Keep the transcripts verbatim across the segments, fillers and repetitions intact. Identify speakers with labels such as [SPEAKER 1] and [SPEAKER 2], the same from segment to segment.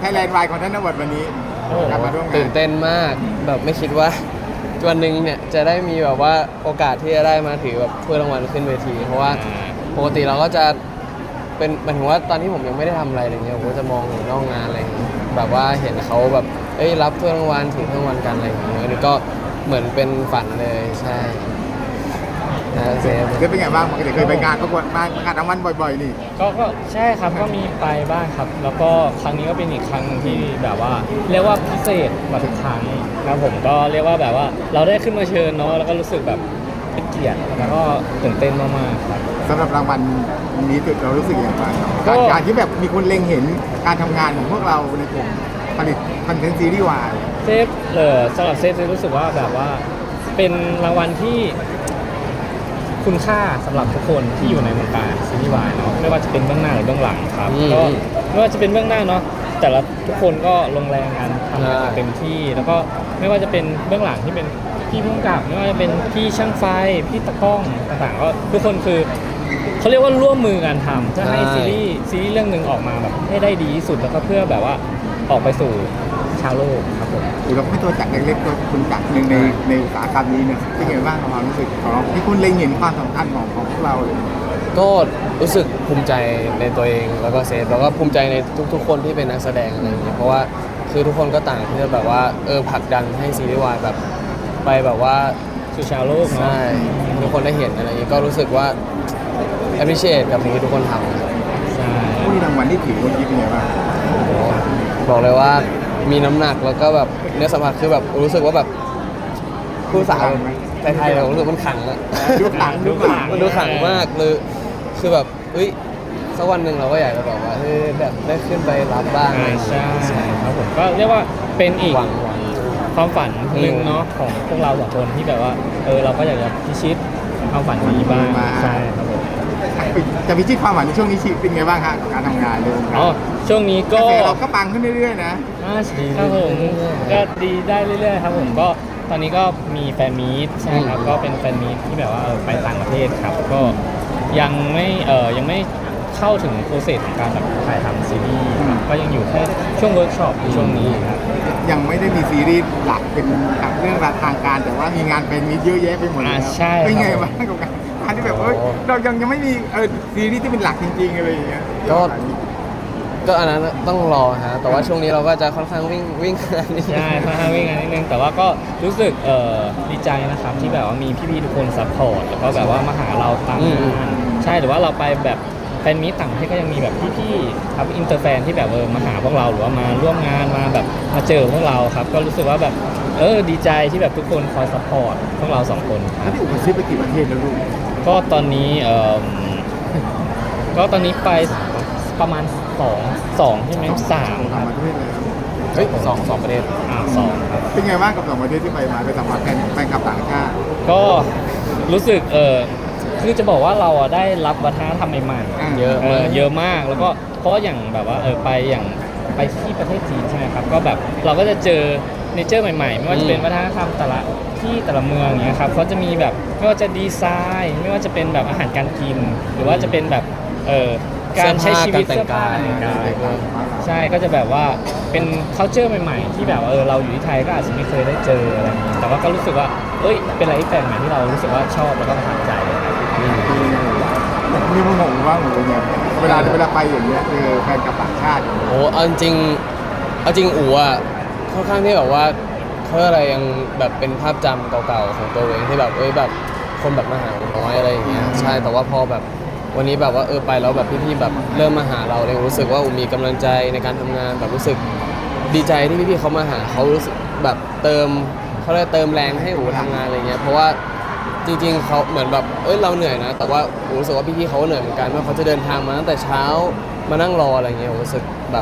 [SPEAKER 1] แลนด์วายของท่านนวัดวันนี้กลับมาร่วมงาน
[SPEAKER 2] ตื่นเต้นมากแบบไม่คิดว่าวันหนึ่งเนี่ยจะได้มีแบบว่าโอกาสที่จะได้มาถือแบบถ้วยรางวัลขึ้นเวทีเพราะว่าปกติเราก็จะเป็นหมายถึงว่าตอนที่ผมยังไม่ได้ทำอะไรอะไรเงี้ยผมก็จะมองอยู่นอกงานอะไรอย่างเงี้ยแบบว่าเห็นเขาแบบเอ้ยรับถ้วยรางวัลถือถ้วยรางวัลกันอะไรอย่างเงี้ยอันนี้ก็เหมือนเป็นฝันเลยใช่นะเซฟ
[SPEAKER 1] เคยเป็นไงบ้างปกติเคยไปงานประกวดมางานรางวัลบ่อยๆนี่
[SPEAKER 3] ก็ก็ใช่ครับก็มีไปบ้างครับ แล้วก็ครั้งนี้ก็เป็นอีกครั้งหนึ่งที่แบบว่า เรียกว่าพิเศษกว่าทุกครั้งนะผมก็เรียกว่าแบบว่าเราได้ขึ้นมาเชิญเนาะแล้วก็รู้สึกแบบเป็นเกียรติแล้วก็ตื่นเต้นมากๆครับ
[SPEAKER 1] สำหรับรางวัลนี้เรารู้สึกอย่างไรครับ
[SPEAKER 3] ก็
[SPEAKER 1] การการที่แบบมีคนเล็งเห็นการทำงานของพวกเราในกลุ่มผลิตคอนเทนต์ซีรีส์วาย
[SPEAKER 3] เซฟเออสำหรับเซฟเซฟรู้สึกว่าแบบว่าเป็นรางวัลที่คุณค่าสำหรับทุกคนที่อยู่ในวงการซีรีส์วายเนาะไม่ว่าจะเป็นเบื้องหน้าหรือเบื้องหลังครับ
[SPEAKER 2] อืม
[SPEAKER 3] ก็ไม่ว่าจะเป็นเบื้องหน้าเนาะแต่ละทุกคนก็ลงแรงกันทำงานอย่างเต็มที่ แล้วก็ไม่ว่าจะเป็นเบื้องหลังที่เป็นพี่ผู้กำกับไม่ว่าจะเป็นพี่ช่างไฟพี่ตะกล้องต่างๆก็ทุกคนคือเขาเรียกว่าร่วมมือกันทำเพื่อให้ซีรีส์ซีรีส์เรื่องหนึ่งออกมาแบบให้ได้ดีที่สุดแล้วก็เพื่อแบบว่าออกไปสู่ชาวโลกครับผม
[SPEAKER 1] หรือเราไม่ตัวจักรเล็กๆตัวคุณจักรหนึ่งในในอุตสาหกรรมนี้เนี่ยเป็นไงบ้างความรู้สึกของเราที่คุณเล็งเห็นความสำคัญของของพวกเราเลย
[SPEAKER 2] ก็รู้สึกภูมิใจในตัวเองแล้วก็เซฟแล้วก็ภูมิใจในทุกๆ คนที่เป็นนักแสดงอะไรอย่างเงี้ยเพราะว่าคือทุกคนก็ต่างที่จะแบบว่าเออผลักดันให้ซีรีส์วายแบบไปแบบว่า
[SPEAKER 3] สู่ชาวโลกเนาะ
[SPEAKER 2] ใช่ทุกคนได้เห็นอะไรอย่างเงี้ยก็รู้สึกว่า appreciate กับสิ่งที่ทุกคนทำครับ
[SPEAKER 3] ใช่
[SPEAKER 1] ผู้ที่รางวัลที่ถือวันนี้เป็นไงบ้าง
[SPEAKER 2] โอ้โหบอกเลยว่ามีน้ำหนักแล้วก็แบบเนื้อสัมผัสคือแบบรู้สึกว่าแบบผู้สาวไทยๆเรารู้สึกมันขังอะ
[SPEAKER 1] ดูขังดูขัง
[SPEAKER 2] มันดูขังมากเลยคือแบบเฮ้ยสักวันหนึ่งเราก็อยากจะแบบว่าเฮ้ยแบบได้ขึ้นไปรับบ้างอะไรอย่าง
[SPEAKER 3] ใช่
[SPEAKER 2] เงี้ย
[SPEAKER 3] ใช่ครับผมก็เรียกว่าเป็นอีก
[SPEAKER 2] หวังหวัง
[SPEAKER 3] ความฝันหนึ่งเนาะของพวกเราสองคนที่แบบว่าเออเราก็อยากจะพิชิตความฝันนี้บ้างใช่ครับผม
[SPEAKER 1] จะพิชิตความหวังในช่วงนี้ชีวิตเป็นไงบ้างฮะกับการทำงานเรื่อง
[SPEAKER 3] อ๋อช่วงนี้
[SPEAKER 1] ก็
[SPEAKER 3] ก็
[SPEAKER 1] เราก็ปังขึ้นเรื่อยๆนะ
[SPEAKER 3] อ่าครับผมก็ดีได้เรื่อยๆครับผมก็ตอนนี้ก็มีแฟนมีตใช่ครับก็เป็นแฟนมีตที่แบบว่าเออไปต่างประเทศครับก็ยังไม่เออยังไม่เข้าถึงโปรเซสของการแบบถ่ายทำซีรีส์ครับก็ยังอยู่แค่ช่วงเวิร์กช็อปในช่วงนี้ครับ
[SPEAKER 1] ยังไม่ได้มีซีรีส์หลักเป็นหลักเรื่องราวทางการ แต่ว่ามีงานเป็นมีเยอะแยะไปหมดเลย
[SPEAKER 3] อ่า
[SPEAKER 1] ครับ
[SPEAKER 3] ใช่
[SPEAKER 1] เป็นไง
[SPEAKER 3] ครับ
[SPEAKER 1] บ้างกับการการที่แบบเอ้ยเรายังยังไม่มีเออซีรีส์ที่เป็นหลักจริงๆอะไรอย่างเงี้ย
[SPEAKER 2] ก็ ก็อันนั้นต้องรอฮะแต่ว่าช่วงนี้เราก็จะค่อนข้างวิ่งวิ่งงานนิดนึง
[SPEAKER 3] ใช่ค่อนข้างวิ่งงานนิดนึงแต่ว่าก็รู้สึกเอ่อดีใจนะครับที่แบบว่ามีพี่ๆทุกคนซัพพอร์ตแล้วก็แบบว่ามาหาเราตามงานใช่หรือว่าเราไปแบบแฟนมีตต่างประเทศก็ยังมีแบบพี่ๆครับอินเตอร์แฟนที่แบบเออมาหาพวกเราหรือว่ามาร่วมงานมาแบบมาเจอพวกเราครับก็รู้สึกว่าแบบเออดีใจที่แบบทุกคนคอยซัพพอร์ตพวกเราสองคนค
[SPEAKER 1] แล้
[SPEAKER 3] รั
[SPEAKER 1] ว
[SPEAKER 3] บ
[SPEAKER 1] ที่อุปซื้อไปกี่ประเทศแล้วลูก
[SPEAKER 3] ก็ตอนนี้เอ่อก็ตอนนี้ไปประมาณสองสองใช่ไหมสามค
[SPEAKER 1] สา
[SPEAKER 3] รั
[SPEAKER 1] ม
[SPEAKER 3] บ
[SPEAKER 1] ประเทศแล้ว
[SPEAKER 2] เฮ้ยสองสองประเด็น
[SPEAKER 3] อ่าสองครับ
[SPEAKER 1] เป็นไงบ้างกับสองประเทศที่ไปมาไปสัมผัสแฟนแฟนคลับต่างชาติ
[SPEAKER 3] ก็รู้สึกเออคือจะบอกว่าเราอ่ะได้รับวัฒนธรรมใหม่
[SPEAKER 1] อ่า
[SPEAKER 3] ๆเยอะเออเยอะมากแล้วก็เพราะว่าอย่างแบบว่าเออไปอย่างไปที่ประเทศจีนใช่ไหมครับก็แบบเราก็จะเจอเนเจอร์ใหม่ๆ ไม่ว่าจะเป็นวัฒนธรรมแต่ละที่แต่ละเมืองอย่างเงี้ยครับเขาจะมีแบบไม่ว่าจะดีไซน์ ไม่ว่าจะเป็นแบบอาหารการกิน หรือว่าจะเป็นแบบเออการใช้ชีวิตเสื้อผ้าแต่งกายใช่ก็จะแบบว่าเป็น culture ใหม่ๆ ที่แบบว่าเออเราอยู่ที่ไทยก็อาจจะไม่เคยได้เจออะไรอย่างเงี้ยแต่ว่าก็รู้สึกว่าเอ้ยเป็นอะไรที่แปลกใหม่ที่เรารู้สึกว่าชอบแล้วก็ประทับใจครับ
[SPEAKER 1] มีมุมของว่าหนูเนี่ยเวลาเวลาไปอย่างเงี้ยคือแฟนคลับต่างชาติ
[SPEAKER 2] โอ้เอาจริงๆเอาจริงอู๋อ่ะค่อนข้างที่แบบว่าเขาเรียกอะไรยังแบบเป็นภาพจำเก่าๆของตัวเองที่แบบเอ้ยแบบคนแบบมาหาน้อยอะไรอย่างเงี้ยใช่แต่ว่าพอแบบวันนี้แบบว่าเออไปแล้วแบบพี่ๆแบบเริ่มมาหาเราเลยรู้สึกว่าอู๋มีกำลังใจในการทำงานแบบรู้สึกดีใจที่พี่ๆเขามาหาเขารู้สึกแบบเติมเขาเรียกเติมแรงให้อู๋ทำงานอะไรเงี้ยเพราะว่าจริงๆเขาเหมือนแบบเอ้ยเราเหนื่อยนะแต่ว่าอู๋รู้สึกว่าพี่ๆเขาเหนื่อยเหมือนกันว่าเขาจะเดินทางมาตั้งแต่เช้ามานั่งรออะไรเงี้ยอู๋รู้สึกแบบ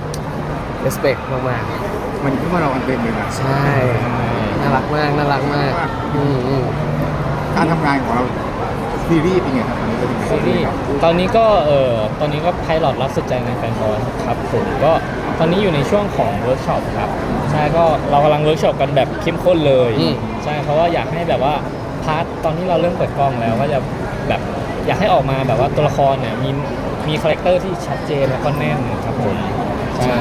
[SPEAKER 2] respect มากๆ
[SPEAKER 1] มันขึ้นมาเราอันเต็มเลยนะ
[SPEAKER 2] ใช่ น่ารักมาก น่ารักมาก อืมอืม
[SPEAKER 1] การทำงานของเราซีรีส์เป็นไงครับตอนนี้เป็นยังไง
[SPEAKER 3] ซีรีส์ตอนนี้ก็เออตอนนี้ก็ไพลอตรักสุดใจในแฟนบอลครับผมก็ตอนนี้อยู่ในช่วงของเวิร์กช็อปครับใช่ก็เรากำลังเวิร์กช็อปกันแบบเข้มข้นเลย
[SPEAKER 2] อืม
[SPEAKER 3] ใช่เพราะว่าอยากให้แบบว่าพาร์ทตอนที่เราเริ่มเปิดกล้องแล้วก็จะแบบอยากให้ออกมาแบบว่าตัวละครเนี่ยมีมีคาแรคเตอร์ที่ชัดเจนแล้วก็แน่นครับผมใช่
[SPEAKER 1] ผ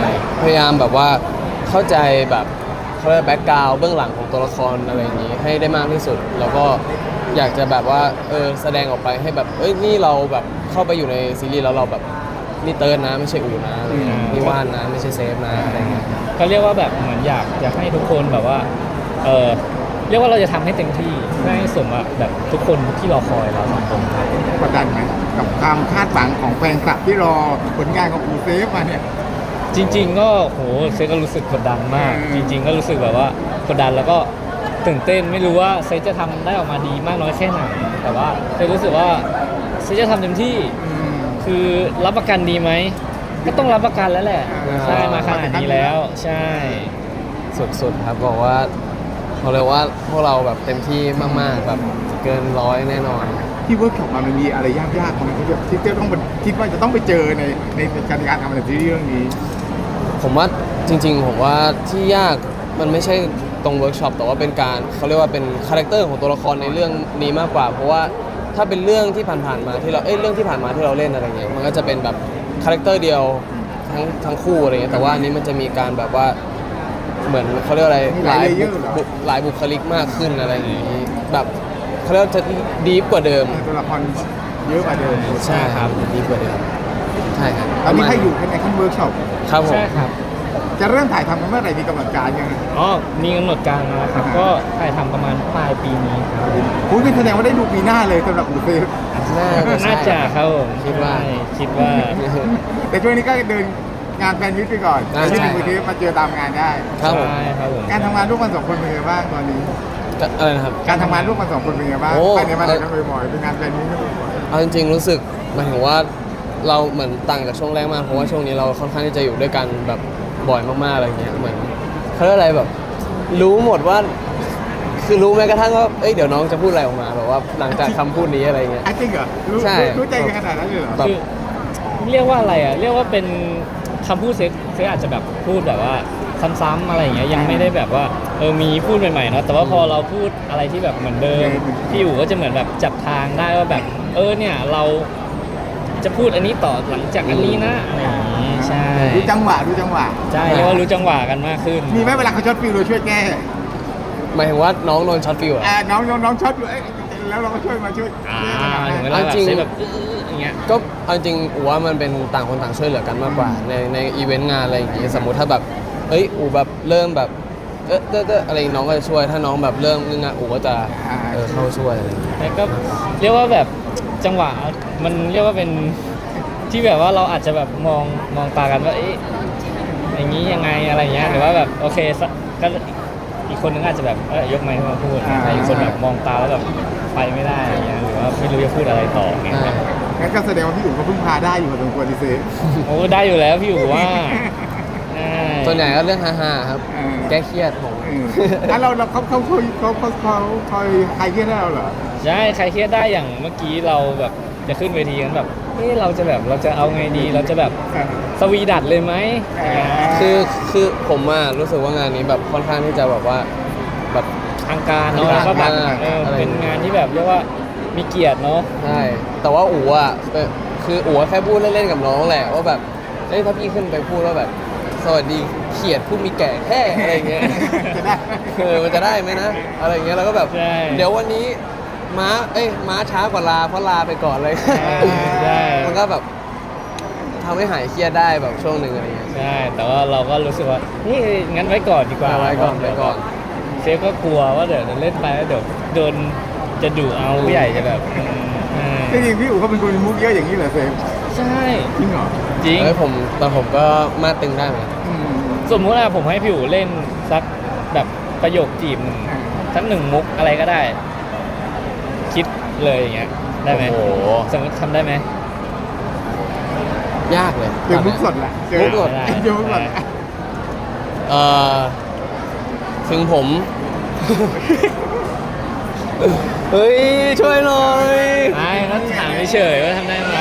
[SPEAKER 2] พยายามแบบว่าเข้าใจแบบเขาเรียกแบ็กกราวด์เบื้องหลังของตัวละครอะไรอย่างนี้ให้ได้มากที่สุด แล้วก็อยากจะแบบว่าเออแสดงออกไปให้แบบเอ้ยนี่เราแบบเข้าไปอยู่ในซีรีส์แล้วเราแบบนี่เติร์นนะไม่ใช่อูนะอะไรเงี้ยนี่ว่านนะไม่ใช่เซฟนะอะไรเงี้ย
[SPEAKER 3] ก็เรียกว่าแบบเหมือนอยากอยากให้ทุกคนแบบว่าเออเรียกว่าเราจะทำให้เต็มที่เพื่อให้สมกับแบบทุกคนที่รอคอยเราสองคนครับ
[SPEAKER 1] กดดันไหมกับความคาดหวังของแฟนคลับที่รอผลงานของอูเซฟมาเนี่ย
[SPEAKER 3] จริง ๆ ก็โหเซก็รู้สึกกดดันมาก
[SPEAKER 1] อืม
[SPEAKER 3] จริง ๆ ก็รู้สึกแบบว่ากดดันแล้วก็ตื่นเต้นไม่รู้ว่าเซจะทำได้ออกมาดีมากน้อยแค่ไหนแต่ว่าเซรู้สึกว่าเซจะทำเต็มที่
[SPEAKER 1] อืม
[SPEAKER 3] คือรับประกันดีไหมก็ต้องรับประกันแล้วแหละ
[SPEAKER 1] อ่า
[SPEAKER 3] ใช่มาขนาดนี้แล้วใช่
[SPEAKER 2] สุดๆครับบอกว่าเขาเรียกว่าพวกเราแบบเต็มที่มากๆแบบเกินร้อยแน่นอน
[SPEAKER 1] ที่เวิร์กช็อปมามันมีอะไรยากๆของมันที่แบบที่จะต้องไปคิดว่าจะต้องไปเจอในในการการทำในซีรีส์เรื่องนี้
[SPEAKER 2] ผมว่าจริงๆ ผมว่าที่ยากมันไม่ใช่ตรงเวิร์กช็อปแต่ว่าเป็นการเขาเรียกว่าเป็นคาแรคเตอร์ของตัวละครในเรื่องนี้มากกว่า เพราะว่าถ้าเป็นเรื่องที่ผ่านๆมาที่เราเอ้ยเรื่องที่ผ่านมาที่เราเล่นอะไรเงี้ยมันก็จะเป็นแบบคาแรคเตอร์เดียวทั้งทั้งคู่อะไรเงี้ยแต่ว่าอันนี้มันจะมีการแบบว่าเหมือนเขาเรียกอะไร
[SPEAKER 1] มีหลาย layer เหรอ
[SPEAKER 2] บุหลายบุคลิกมากขึ้นอะไรอย่างนี้แบบเขาเรียกว่าจะดีฟกว่าเดิม
[SPEAKER 1] ตัวละครเยอะกว่าเดิม
[SPEAKER 2] ใช่ครับดีกว่าเดิมใช่ครับ
[SPEAKER 1] ตอนนี้ให้อยู่ในขั้นเวิร์กช็อป
[SPEAKER 2] ครับผม
[SPEAKER 3] ใช่ครับ
[SPEAKER 1] จะเริ่มถ่ายทำกันเมื่อไหร่มีกำหนดการยังไง
[SPEAKER 3] อ๋อมีกำหนดการมาแล้วครับ ก็ถ่ายทำประมาณปลายปีนี้ครับ
[SPEAKER 1] คุณเป็นแสดงว่าได้ดูปีหน้าเลยสำหรับอูเซฟ
[SPEAKER 2] น่าจะใช่
[SPEAKER 3] น่าจะครับผม
[SPEAKER 2] คิดว่า
[SPEAKER 3] ใช่คิดว่า
[SPEAKER 1] แต่ช่วงนี้ก็เดินงานแฟนมิตไปก่อน
[SPEAKER 2] อ่า
[SPEAKER 1] ที่
[SPEAKER 2] ใช่
[SPEAKER 1] อูเซฟมาเจอตามงานได้
[SPEAKER 2] ครับผม
[SPEAKER 3] ใช่ครับผม
[SPEAKER 1] การทำงานร่วมกันสองคนเป็นไงบ้างตอนนี้
[SPEAKER 2] ก็อะไรนะครับ
[SPEAKER 1] การทำงานร่วมกันสองคนเป็นไงบ้าง
[SPEAKER 2] โอ้
[SPEAKER 1] ไปไหนมาไหนกันบ่อยๆเป็นงานแฟนมิตกันบ่อย
[SPEAKER 2] เอาจริงๆรู้สึกหมายถึงว่าเราเหมือนต่างจากช่วงแรกมากเพราะว่าช่วงนี้เราค่อนข้างที่จะอยู่ด้วยกันแบบบ่อยมากๆอะไรเงี้ยเหมือนเขาเรียกอะไรแบบ รู้หมดว่า คือรู้แม้กระทั่งว่าเอ้ยเดี๋ยวน้องจะพูดอะไรออกมาแบบว่าหลังจากคำพูดนี้อะไรเงี้ย
[SPEAKER 1] ๆอ่ะจริงเหรอรู้
[SPEAKER 2] ใช่
[SPEAKER 1] รู้รู้ใจกันขนาดนั้นเลยเหรอ
[SPEAKER 2] แบบ
[SPEAKER 3] คือเรียกว่าอะไรอ่ะ เรียกว่าเป็นคำพูดเซ็กเซ็กอาจจะแบบพูดแบบว่าซ้ำๆอะไรอย่างเงี้ยยังไม่ได้แบบว่าเออมีพูดใหม่ๆเนาะแต่ว่าพอเราพูดอะไรที่แบบเหมือนเดิมพี่อู๋ก็จะเหมือนแบบจับทางได้ว่าแบบเออเนี่ยเราจะพูดอันนี้ต่อหลังจากอันนี้นะอะไรอย่างงี้ใช่
[SPEAKER 1] รู้จังหวะรู้จังหวะ
[SPEAKER 3] ใช่เรียกว่ารู้จังหวะกันมากขึ้น
[SPEAKER 1] มีไหมเวลาเขาช็อตฟิลเราช่วยแก้
[SPEAKER 2] หมายถึงว่าน้องโดนช็อตฟิวอะ
[SPEAKER 1] อ่าน้องน้องน้องช็อตอยู่เอ้ยแล้วเราก็ช่วยมาช่วย
[SPEAKER 3] อ่า
[SPEAKER 1] ช่วยกัน
[SPEAKER 3] ถึงเว
[SPEAKER 1] นะ
[SPEAKER 3] ลาแบบ
[SPEAKER 2] จริง
[SPEAKER 3] เซ็กแบบอื้อๆอย่างเงี้ย
[SPEAKER 2] ก็เอาจริงอูว่ามันเป็นต่างคนต่างช่วยเหลือกันมากกว่า ในในอีเวนต์งานอะไรอย่างงี้สมมุติถ้าแบบเอ้ยอูแบบเริ่มแบบเออเออเอออะไรน้องก็จะช่วยถ้าน้องแบบเริ่มงึงงะอูก็จะเออเข้าช่วยอะไรอย่างงี้
[SPEAKER 3] แล้วก็เรียกว่าแบบจังหวะมันเรียกว่าเป็นที่แบบว่าเราอาจจะแบบมองมองตากันว่าเอ๊ะอย่างนี้ยังไงอะไรเงี้ยหรือว่าแบบโอเคสักก็อีกคนนึงอาจจะแบบเอ้ยยกไมค์ขึ้นมาพูดแต่อีกคนแบบมองตาแล้วแบบไปไม่ได้อะไรเงี้ยหรือว่าไม่รู้จะพูดอะไรต่อเงี้ย
[SPEAKER 2] อ่า
[SPEAKER 1] งั้นก็แสดงว่าพี่อู๋ก็พึ่งพาได้อยู่พอสมควรดิเซฟ
[SPEAKER 3] โอ้ได้อยู่แล้วพี่อู๋ว่าใช่
[SPEAKER 2] ส่วนใหญ่ก็เรื่องฮาๆครับ
[SPEAKER 1] เออ
[SPEAKER 2] แก้เครียดผม
[SPEAKER 1] เอออ่ะเราเราเขาเขาเขาเขาเขาเขาคอยใครเครียดให้เราเหรอ
[SPEAKER 3] ใช่ใครเครียดได้อย่างเมื่อกี้เราแบบจะขึ้นเวทีกันแบบเฮ้ยเราจะแบบเราจะเอาไงดีเราจะแบบสวีดัดเลยไหม
[SPEAKER 2] คือคือผมอะรู้สึกว่างานนี้แบบค่อนข้างที่จะแบบว่าแบบ
[SPEAKER 3] ทางการเนาะแล้วก็แบบ
[SPEAKER 2] มาก
[SPEAKER 3] เออ
[SPEAKER 2] อะไร
[SPEAKER 3] เป็นงานที่แบบเรียกว่ามีเกียรติเนาะ
[SPEAKER 2] ใช่แต่ว่าอู๋อะเออคืออู๋แค่พูดเล่นๆกับน้องแหละว่าแบบเอ้ยถ้าพี่ขึ้นไปพูดว่าแบบ สวัสดีเขียดผู้มีแก่แค่อะไรเงี้ย
[SPEAKER 1] จะได้
[SPEAKER 2] เออมันจะได้ไหมนะอะไรเงี้ยแล้วก็แบบ
[SPEAKER 3] ใช่
[SPEAKER 2] เดี๋ยววันนี้ม้าเอ้ยม้าช้ากว่าลาเพราะลาไปก่อนเลย
[SPEAKER 3] ใช่
[SPEAKER 2] มันก็แบบทำให้หายเครียดได้แบบช่วงหนึ่งอะไรเงี้ย
[SPEAKER 3] ใช่แต่ว่าเราก็รู้สึกว่านี่งั้นไว้ก่อนดีกว่า
[SPEAKER 2] เอาไว้ก่อนไว้ก่อน
[SPEAKER 3] เซฟก็กลัวว่าเดี๋ยวเล่นไปแล้วเดี๋ยวโดนจะดุเอาผู้ใหญ่จะแบบอืมอืม
[SPEAKER 1] จริงๆพี่อู๋เขาเป็นคนมีมุกเยอะอย่างนี้เหรอเซฟ
[SPEAKER 3] ใช่
[SPEAKER 1] จริงเหรอ
[SPEAKER 3] จริง
[SPEAKER 2] เอ้ยผมแต่ผมก็มาตึงได้เหมือนกัน
[SPEAKER 1] อืม
[SPEAKER 3] สมมุติว่าผมให้พี่อู๋เล่นสักแบบประโยคจีบหนึ่ง
[SPEAKER 1] อ่า
[SPEAKER 3] สักหนึ่งมุกอะไรก็ได้ คิดเลยอย่างเงี้ยได้ไหม
[SPEAKER 2] โอ้โห
[SPEAKER 3] สมมติทำได้ไหม
[SPEAKER 2] ยากเลย
[SPEAKER 1] เจอมุกสดแหละเจอ
[SPEAKER 2] มุกสด
[SPEAKER 1] เจอมุกสด
[SPEAKER 2] เอ่อถึงผม เฮ้ย ช่วยหน่อย
[SPEAKER 3] ไม่ก็ถามเฉยๆว่าทำได้ไหม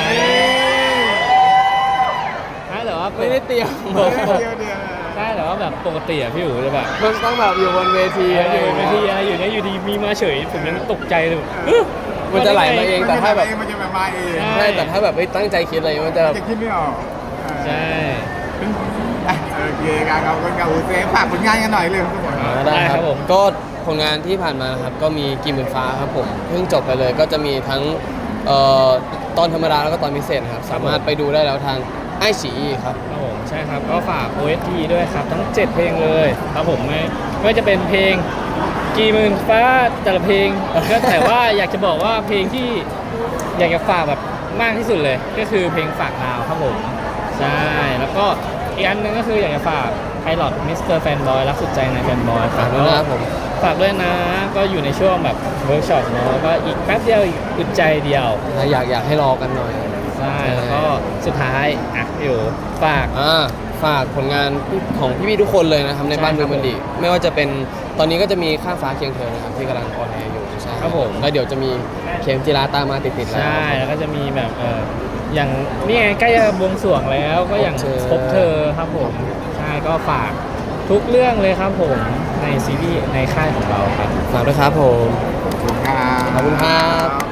[SPEAKER 3] ใช่แต่ว่า
[SPEAKER 2] ไม่ได้เตรียม
[SPEAKER 1] เดี๋ยวเดี๋ยวเดี๋ยว
[SPEAKER 3] ใช่แต่ว่าแบบปกติอะพี่อู๋จะแบบ
[SPEAKER 2] มันต้องแบบอยู่บนเวที
[SPEAKER 3] อยู่บนเวทีอะไรอยู่เนี่ยอยู่ดีมีมาเฉยผมยังตกใจเลยแบบเอ๊ะ
[SPEAKER 2] มันจะไหลมาเอง แต่ถ้าแบบ
[SPEAKER 1] มันจะแบบมาเอง
[SPEAKER 2] ใช่แต่ถ้าแบบไม่ตั้งใจคิดอะไรมันจะ
[SPEAKER 1] จะคิดไม่ออก
[SPEAKER 3] ใช่
[SPEAKER 1] อ่ะโอเคการขอบคุณกับอูเซฟฝากผลงานกันหน่อยเลยทุกคน
[SPEAKER 2] อ่าได้ครับผมก็ผลงานที่ผ่านมานะครับก็มีกี่หมื่นฟ้าครับผมเพิ่งจบไปเลยก็จะมีทั้งเอ่อตอนธรรมดาแล้วก็ตอนพิเศษครับสามารถไปดูได้แล้วทางไอซีครับ
[SPEAKER 3] ครับผมใช่ครับก็ฝาก โอ เอส ที ด้วยครับทั้งเจ็ดเพลงเลยครับผมไม่ไม่ว่าจะเป็นเพลงกี่หมื่นฟ้าแต่ละเพลง ก็แต่ว่าอยากจะบอกว่าเพลงที่อยากจะฝากแบบมากที่สุดเลย ก็คือเพลงฝากดาวครับผมใช่แล้วก็อีกอันหนึงก็คืออยากจะฝากไพลอตมิสเตอร์แฟนบอยรักสุดใจในแฟนบอยค
[SPEAKER 2] ฝา
[SPEAKER 3] รั
[SPEAKER 2] ก
[SPEAKER 3] บ
[SPEAKER 2] ด้วยนะครับผม
[SPEAKER 3] ฝากด้วยนะก็อยู่ในช่วงแบบเวิร์กช็อปเนาะก็อีกแป๊บเดียวอีกอึดใจเดียว
[SPEAKER 2] อยากอยากให้รอกันหน่อย
[SPEAKER 3] ใช่แล้วก็สุดท้ายอ่ะอยู่ฝาก
[SPEAKER 2] อ่าฝากผลงานของพี่ๆทุกคนเลยนะครับในบ้าน
[SPEAKER 3] ใช่
[SPEAKER 2] ดู
[SPEAKER 3] ครับ
[SPEAKER 2] มันดีไม่ว่าจะเป็นตอนนี้ก็จะมีข้ามฟ้าเคียงเธอนะครับที่กำลังออนแอร์อยู่ใช่
[SPEAKER 3] ครับผม
[SPEAKER 2] แล้วเดี๋ยวจะมีเข็มจีราตามมาติดๆแล้ว
[SPEAKER 3] ใช่แล้วก็จะมีแบบเอออย่างนี่ไงใกล้จะบวงสรวงแล้วก็อย่าง
[SPEAKER 2] พบเธอ
[SPEAKER 3] พบเธอครับผมใช่ก็ฝากทุกเรื่องเลยครับผมในซีรีส์ในค่ายของเราครับ
[SPEAKER 2] ฝากด้วยครับผม
[SPEAKER 1] ขอบคุณครับ
[SPEAKER 2] ขอบคุณครับ